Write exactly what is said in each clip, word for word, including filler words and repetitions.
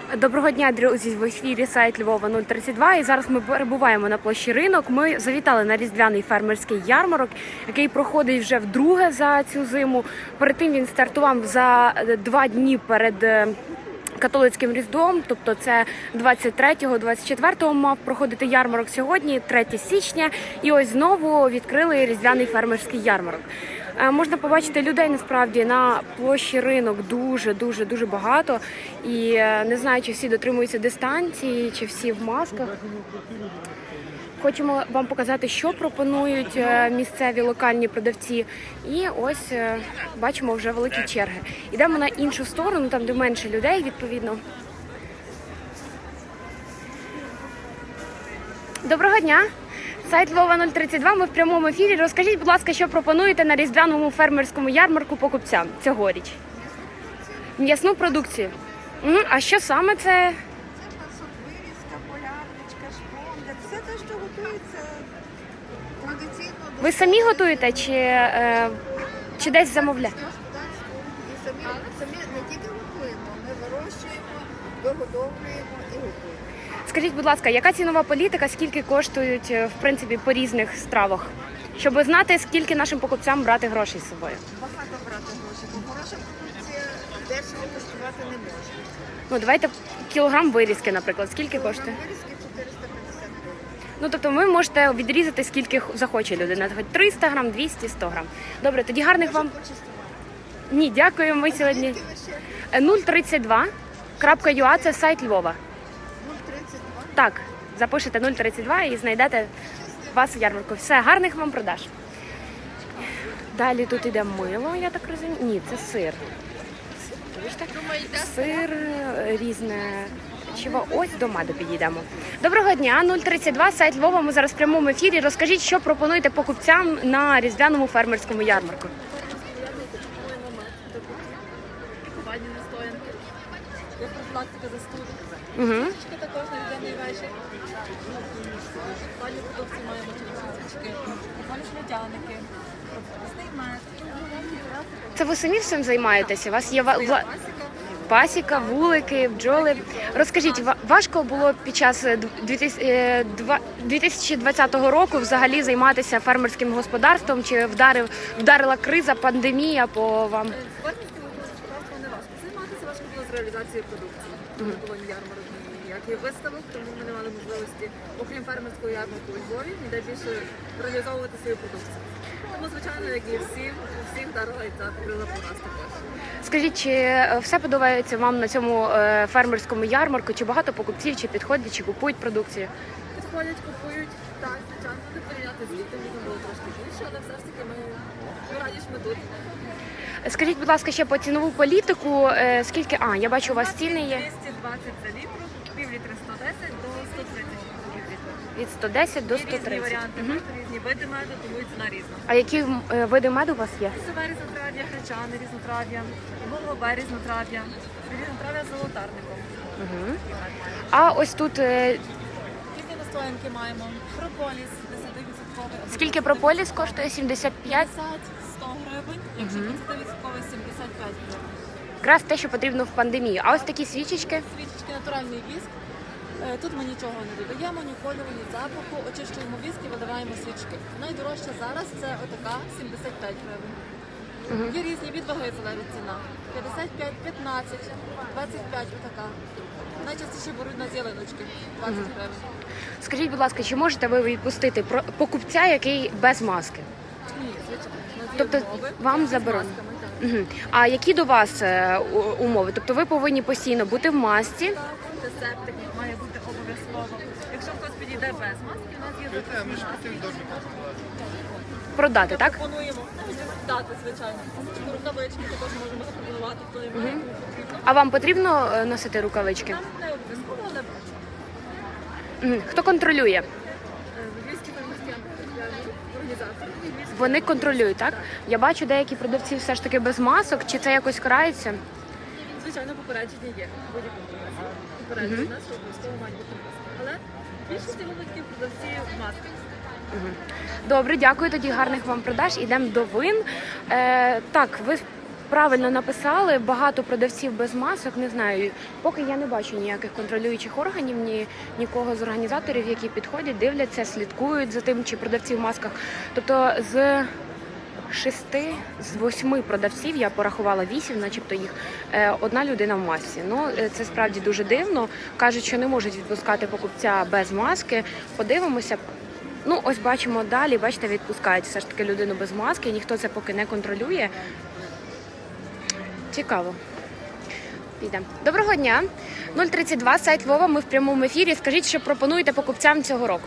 Доброго дня, друзі! В ефірі сайт Львова нуль тридцять два. І зараз ми перебуваємо на площі Ринок. Ми завітали на різдвяний фермерський ярмарок, який проходить вже вдруге за цю зиму. Перед тим він стартував за два дні перед католицьким Різдвом, тобто це двадцять третього - двадцять четвертого мав проходити ярмарок сьогодні, третє січня. І ось знову відкрили різдвяний фермерський ярмарок. Можна побачити людей насправді на площі Ринок дуже-дуже дуже багато. І не знаю, чи всі дотримуються дистанції, чи всі в масках. Хочемо вам показати, що пропонують місцеві локальні продавці. І ось бачимо вже великі черги. Йдемо на іншу сторону, там де менше людей, відповідно. Доброго дня! Сайт Львова нуль тридцять два, ми в прямому ефірі. Розкажіть, будь ласка, що пропонуєте на різдвяному фермерському ярмарку покупцям цьогоріч? М'ясну продукцію. Угу. А що саме це? Це пасок, вирізка, полярничка, шпондер. Все те, що готується традиційно. Ви самі готуєте чи, е, чи десь замовляєте? І самі, самі не тільки готуємо, ми вирощуємо, вигодовуємо і готуємо. Скажіть, будь ласка, яка цінова політика, скільки коштують, в принципі, по різних стравах? Щоб знати, скільки нашим покупцям брати грошей з собою. Багато брати грошей, бо хороша продукція дешево коштувати не може. Ну, давайте кілограм вирізки, наприклад. Скільки коштує? Вирізки чотириста п'ятдесят гривень. Ну, тобто ви можете відрізати, скільки захоче людина. Хоч триста грам, двісті, сто грам. Добре, тоді гарних вам... Ні, дякую, ми сьогодні... нуль тридцять два крапка ю а, це сайт Львова. нуль тридцять два? Так, запишете нуль тридцять два і знайдете вас в ярмарку. Все, гарних вам продаж. Далі тут іде мило, я так розумію. Ні, це сир. Бачите? Сир різне. Чого? Ось до меду підійдемо. Доброго дня, нуль тридцять два, сайт Львова. Ми зараз в прямому ефірі. Розкажіть, що пропонуєте покупцям на різдвяному фермерському ярмарку. Лікувальні настоянки, є профілактика застуди. Угу. Свічки також на різдвяний вечір. Лікувальні продукції маємо через свічки. Лікувальні смітяники, різний мед. Це ви самі всім займаєтеся? У вас є ва- Своя вла- пасіка. пасіка, вулики, бджоли. Розкажіть, ва- важко було під час дві тисячі двадцятого року взагалі займатися фермерським господарством? Чи вдарив, вдарила криза, пандемія по вам? Фермерським господарством не важко займатися, важко було з реалізацією продукції. Не було ні ярмарок, ні ніяких виставок, тому ми не мали можливості, окрім фермерського ярмарку у Львові, ніде більше реалізовувати свою продукцію. Тому, звичайно, як і всі, у всіх вдарила і ця криза по нас також. Скажіть, чи все подобається вам на цьому е, фермерському ярмарку? Чи багато покупців, чи підходять, чи купують продукцію? Підходять, купують, так, звичайно, не порівняти з літом, літом було трошки більше, але все ж таки ми, ми раді, що ми тут. Скажіть, будь ласка, ще по цінову політику, е, скільки, а, я бачу, у вас ціни є двісті двадцять за літру, пів літри сто десять до сто тридцять літрів. від сто десять до Є сто різні тридцять. варіанти меду, різні види меду, тому і ціна різна. А які е, види меду у вас є? Лісове різнотрав'я, гречани різнотрав'я, голубе різнотрав'я, різнотрав'я з золотарником. Угу. А ось тут е, Різні настоянки маємо. Прополіс десять відсотків. скільки прополіс коштує? сімдесят п'ять? п'ятдесят - сто гривень, якщо п'ятдесят відсотків сімдесят п'ять гривень. Якраз те, що потрібно в пандемію. А ось такі свічечки? Свічечки, натуральний віск. Е, Тут ми нічого не додаємо, ні кольору, ні запаху. Очищуємо віск і видаваємо свічки. Найдорожча зараз це отака сімдесят п'ять гривень. Є різні від ваги залежить ціна. п'ятдесят п'ять, п'ятнадцять, двадцять п'ять отака. Найчастіше беруть на зеленочки двадцять гривень. Скажіть, будь ласка, чи можете ви відпустити про- покупця, який без маски? Ні, звичайно. У нас є Тобто умови вам з заборонено? масками, так. Угу. А які до вас е, у- умови? Тобто ви повинні постійно бути в масці? Антисептик має бути обов'язково. Якщо хтось підійде без маски, у нас є запасні маски. Продати, так? Пропонуємо дати, звичайно. Рукавички також можемо запропонувати, хто не має, кому потрібно. А вам потрібно е, носити рукавички? Нам не обов'язково, але Мгм. Хто контролює? е, львівські фермерські організації. львівські Вони контролюють, так? Я бачу, деякі продавці все ж таки без масок. Чи це якось карається? Звичайно, попередження є. Будь-якому разі. Попередження нас, що обов'язково мають бути маски. Але більшість випадків продавці в масках. Добре, дякую. Тоді гарних вам продаж. Ідемо до вин. Е, так, ви правильно написали, багато продавців без масок, не знаю, поки я не бачу ніяких контролюючих органів, ні нікого з організаторів, які підходять, дивляться, слідкують за тим, чи продавці в масках. Тобто з шести, з восьми продавців, я порахувала вісім, начебто їх, е, одна людина в масці. Ну, е, це справді дуже дивно. Кажуть, що не можуть відпускати покупця без маски. Подивимося. Ну, ось бачимо далі, бачите, відпускають все ж таки людину без маски, ніхто це поки не контролює. Цікаво. Підемо. Доброго дня. нуль тридцять два, сайт Львова, ми в прямому ефірі. Скажіть, що пропонуєте покупцям цього року?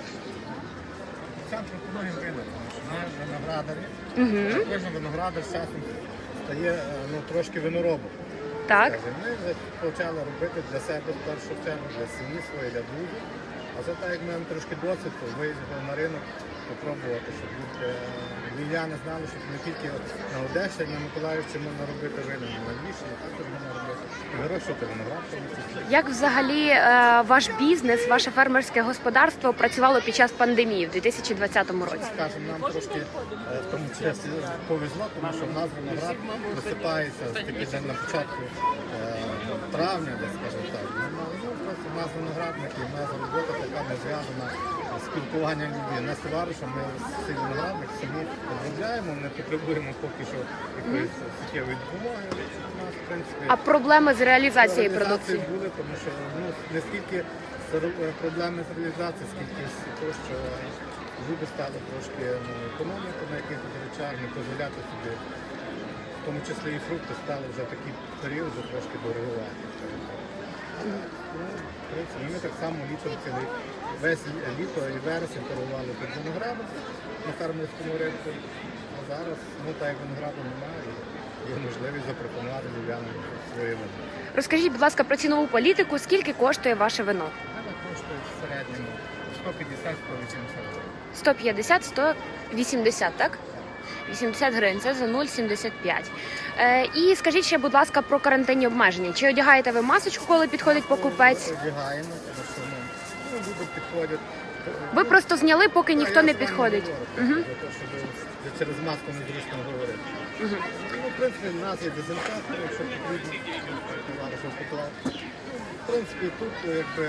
Сам пропонуємо ринок, тому що ми виноградарі. Угу. Кожен виноградар з часом стає ну, трошки виноробом. Так. Скажімо. Ми вже почали робити для себе в першу чергу, для сім'ї своєї, для друзів. А це так, як ми маємо трошки досвід, то виїздили на ринок, попробувати, щоб люди, львів'яни знали, що не тільки на Одещині, на Миколаївці можна робити вина, на Львівщині також можна робити. І вирощувати виноград. в тому числі. Як взагалі е, ваш бізнес, ваше фермерське господарство працювало під час пандемії в дві тисячі двадцятому році? Скажемо, нам трошки е, в тому часі повезло, тому що в нас виноград висипається таки день на початку е, травня, десь, скажімо так. Ну, ну, просто в нас виноградники, в нас робота така не зв'язана з спілкуванням людей. Нас товаришем, ми цей виноградник самі обробляємо, не потребуємо поки що якоїсь суттєвої допомоги. У нас, в принципі, А проблеми з реалізацією реалізації продукції? були, тому що ну, не скільки з- проблеми з реалізацією, скільки з того, що люди стали трошки ну, економіку на якихось речах, не дозволяти собі, в тому числі і фрукти стали вже в такий період вже трошки дорогувати. Ну, в принципі, ми так само літом цілий весь літо і вересень торгували під виноградом на фермерському ринку. А зараз, ну так як винограду немає, є можливість запропонувати львів'янам своє вино. Розкажіть, будь ласка, про цінову політику, скільки коштує ваше вино? Вона коштує в середньому сто п'ятдесят - сто вісімдесят гривень. сто п'ятдесят - сто вісімдесят, так? вісімдесят гривень, це за нуль сімдесят п'ять. Е, і скажіть ще, будь ласка, про карантинні обмеження. Чи одягаєте ви масочку, коли підходить покупець? Ми одягаємо, тому що ну, ну, люди підходять. Ви просто зняли, поки ніхто Я не з вами підходить. говорю, Угу. для того, щоб через маску незручно говорити. Угу. Ну, в принципі, в нас є дезінфектор, якщо потрібно, товариш поклав. В принципі, тут якби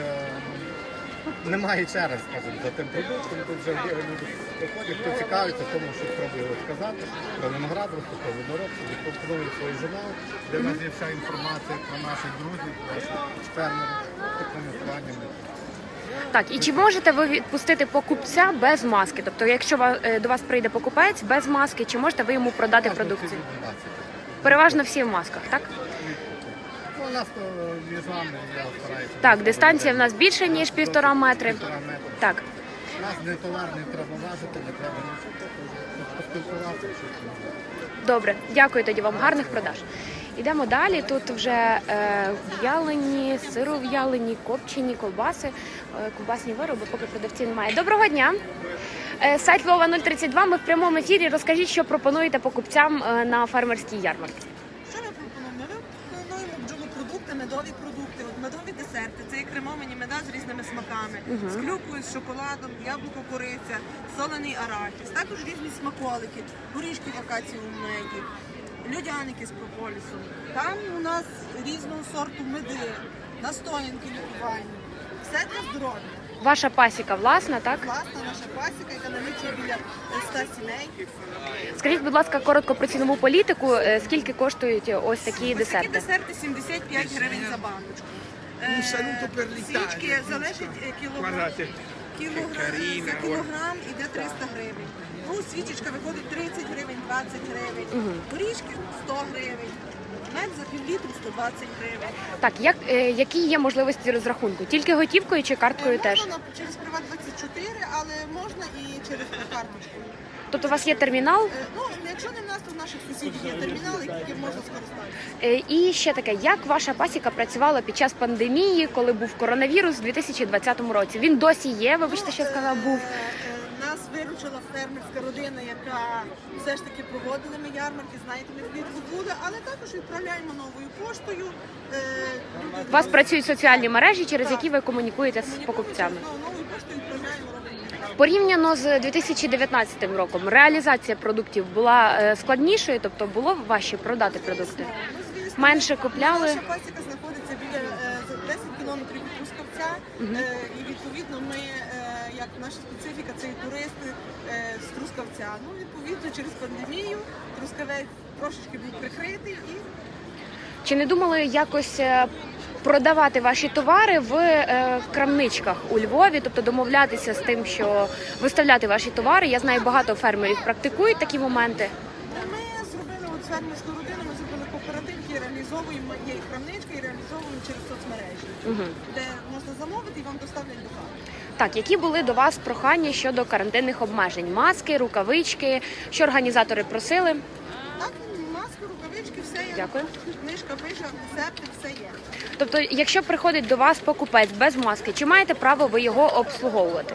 немає черги, скажімо, за тим продуктом. Тут вже люди приходять, хто цікавиться тому, що спробує розказати про виноградарство, про виноробство, пропонують свої журнали, де в нас є вся інформація про наших друзів, наших фермерів, такими плані. Так, і чи можете ви відпустити покупця без маски? Тобто, якщо ва- е, до вас прийде покупець без маски, чи можете ви йому продати продукцію? Переважно всі в масках, так? Ну, у нас то між вами я стараюся. Так, дистанція в нас більше, ніж півтора метри. Півтора метри. Так. У нас не товар, не треба важити, не треба нічого, тобто поспілкуватися. щось. Добре, дякую тоді вам, гарних продаж. Ідемо далі. Тут вже е, в'ялені, сиров'ялені, копчені, ковбаси, е, ковбасні вироби, поки продавців немає. Доброго дня! Е, сайт Львова нуль тридцять два, ми в прямому ефірі. Розкажіть, що пропонуєте покупцям е, на фермерській ярмарці. Що ми пропонуємо? Ми пропонуємо бджолопродукти, медові продукти, от медові десерти. Це є кремовані меда з різними смаками, з клюквою, з шоколадом, яблуко, кориця, солений арахіс. Також різні смаколики, горішки в акацієвому меді, льодяники з прополісом. Там у нас різного сорту меди, настоянки лікувальні. Все для здоров'я. Ваша пасіка власна, так? Власна наша пасіка, яка налічує біля ста сімей. Скажіть, будь ласка, коротко про цінову політику. Е, Скільки коштують ось такі Ось такі десерти? десерти сімдесят п'ять гривень за баночку. Е, Свічки залежить е, кілограм. Guardate, Кілограм, carina, за кілограм іде триста гривень. Ну, свічечка виходить тридцять гривень, двадцять гривень. Горішки сто гривень. Мед за півлітру сто двадцять гривень. Так, як, е, які є можливості розрахунку? Тільки готівкою чи карткою теж? Можна на- через Приват двадцять чотири, але можна і через карточку. Тобто у вас є термінал? Е, Ну, якщо не в нас, то в наших сусідів є термінали, яким можна скористатися. Е, І ще таке, як ваша пасіка працювала під час пандемії, коли був коронавірус у дві тисячі двадцятому році? Він досі є, вибачте, що я сказала, був. Е, е, Нас виручила фермерська родина, яка все ж таки проводили ми ярмарки, знаєте, ми влітку були, але також відправляємо новою поштою. Е, люди- У вас працюють соціальні мережі, через Так. які ви комунікуєте з покупцями. Ну, новою поштою відправляємо робимо. Порівняно з дві тисячі дев'ятнадцятим роком реалізація продуктів була е, складнішою, тобто було важче продати продукти? Ну, звісно. Менше купляли? Наша пасіка знаходиться біля е, за десять кілометрів від Трускавця, е, і відповідно ми, е, як наша специфіка, це і туристи е, з Трускавця. Ну, відповідно, через пандемію Трускавець трошечки був прикритий і Чи не думали якось е, продавати ваші товари в е, крамничках у Львові, тобто домовлятися з тим, що виставляти ваші товари? Я знаю, багато фермерів практикують такі моменти. ми зробили от фермерську родину, ми зробили кооператив, який реалізовуємо, є і крамничка, і реалізовуємо через соцмережі, Угу. де можна замовити і вам доставлять до хати. Так, які були до вас прохання щодо карантинних обмежень? Маски, рукавички, що організатори просили? Так, маски, рукавички, все є. Дякую. Книжка пише, антисептик, все є. Тобто, якщо приходить до вас покупець без маски, чи маєте право ви його обслуговувати?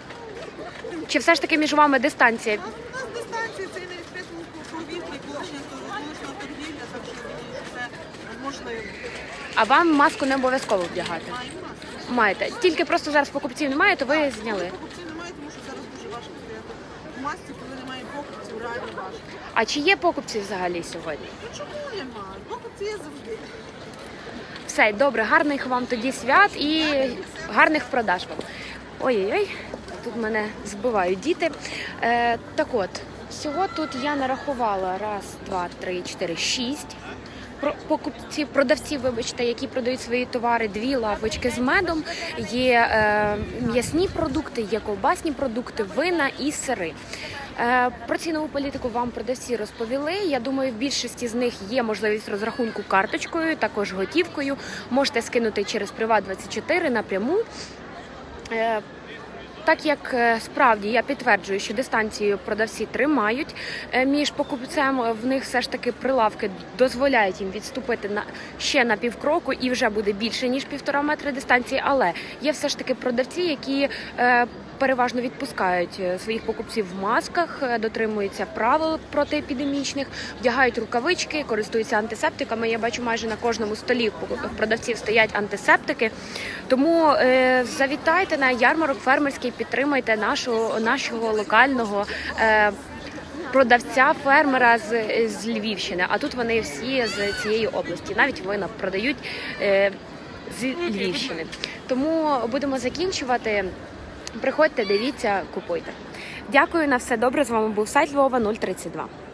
Чи все ж таки між вами дистанція? У нас, у нас дистанція, це не відкритому повітрі, колишня колишня торгівля, так що це можливо. А вам маску не обов'язково вдягати? Маємо маски. Маєте. Тільки просто зараз покупців немає, то ви зняли. Покупців немає, тому що зараз дуже важко стояти в масці, коли немає покупців, реально важко. А чи є покупці взагалі сьогодні? Ну чому немає? Покупці є завжди. Все, добре, гарних вам тоді свят і гарних продаж вам. Ой-ой-ой, тут мене збивають діти. Е, так от, всього тут я нарахувала раз, два, три, чотири, шість про- покупців, продавців, вибачте, які продають свої товари, дві лавочки з медом, є е, м'ясні продукти, є ковбасні продукти, вина і сири. Е, Про цінову політику вам продавці розповіли. Я думаю, в більшості з них є можливість розрахунку карточкою, також готівкою. Можете скинути через Приват двадцять чотири напряму. Е, Так як е, справді я підтверджую, що дистанцію продавці тримають е, між покупцем, в них все ж таки прилавки дозволяють їм відступити на ще на півкроку і вже буде більше ніж півтора метри дистанції. Але є все ж таки продавці, які е, переважно відпускають е, своїх покупців в масках, е, дотримуються правил протиепідемічних, вдягають рукавички, користуються антисептиками. Я бачу, майже на кожному столі в продавців стоять антисептики. Тому е, завітайте на ярмарок фермерський, підтримайте нашого, нашого локального е, продавця, фермера з, з Львівщини. А тут вони всі з цієї області. Навіть вина продають е, з Львівщини. Тому будемо закінчувати. Приходьте, дивіться, купуйте. Дякую, на все добре. З вами був сайт Львова нуль тридцять два.